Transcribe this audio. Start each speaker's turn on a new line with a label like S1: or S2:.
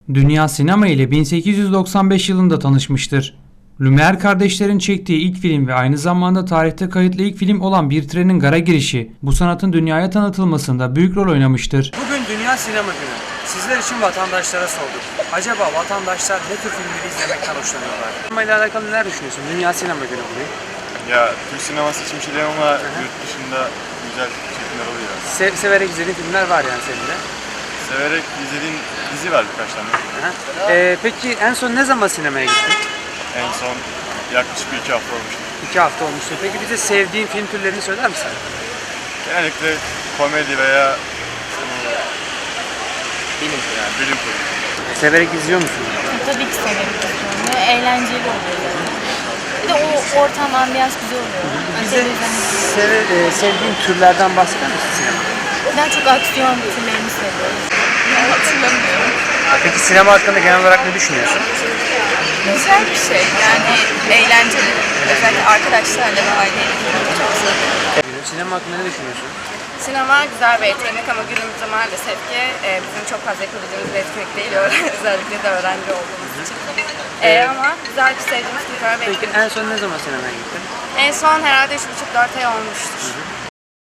S1: Dünya sinema ile 1895 yılında tanışmıştır. Lumière kardeşlerin çektiği ilk film ve aynı zamanda tarihte kayıtlı ilk film olan Bir Trenin Gara Girişi, bu sanatın dünyaya tanıtılmasında büyük rol oynamıştır.
S2: Bugün Dünya Sinema Günü. Sizler için vatandaşlara sorduk. Acaba vatandaşlar ne tür filmleri izlemekten hoşlanıyorlar? Sinema ile alakalı neler düşünüyorsun? Dünya Sinema Günü bugün.
S3: Ya Türk sineması için bir şey diyemem ama yurt dışında güzel çekimler oluyor.
S2: Severek izlediğin filmler var yani senin de.
S3: Severek izlediğim dizi var birkaç tane.
S2: Peki en son ne zaman sinemaya gittin?
S3: En son yaklaşık 1-2 hafta olmuştu.
S2: 2 hafta olmuştu. Peki bize sevdiğin film türlerini söyler misin?
S3: Genellikle komedi veya bilim kurgu.
S2: Severek izliyor musun?
S4: Tabii ki severim. Ve eğlenceli oluyor yani. Bir de o ortam, ambiyans güzel oluyor.
S2: Bize sevdiğin türlerden bahseder misin sinema?
S4: Ben çok aksiyon filmlerini seviyorum. Hatırlamıyorum.
S2: Peki sinema hakkında genel olarak ne düşünüyorsun?
S5: Güzel bir şey yani eğlenceli. Özellikle arkadaşlarla ve aileyle gitmek çok güzel.
S2: Sinema hakkında ne düşünüyorsun?
S5: Sinema güzel bir etkinlik ama günümüzde maalesef ki bizim çok fazla yapabildiğimiz bir etkinlik değil. Özellikle de öğrenci olduğumuz için. Ama güzel bir sevdiğimiz güzel bir
S2: Peki
S5: etkinlik.
S2: en son ne zaman sinemaya gittin?
S5: En son herhalde 3,5-4 ay olmuştur.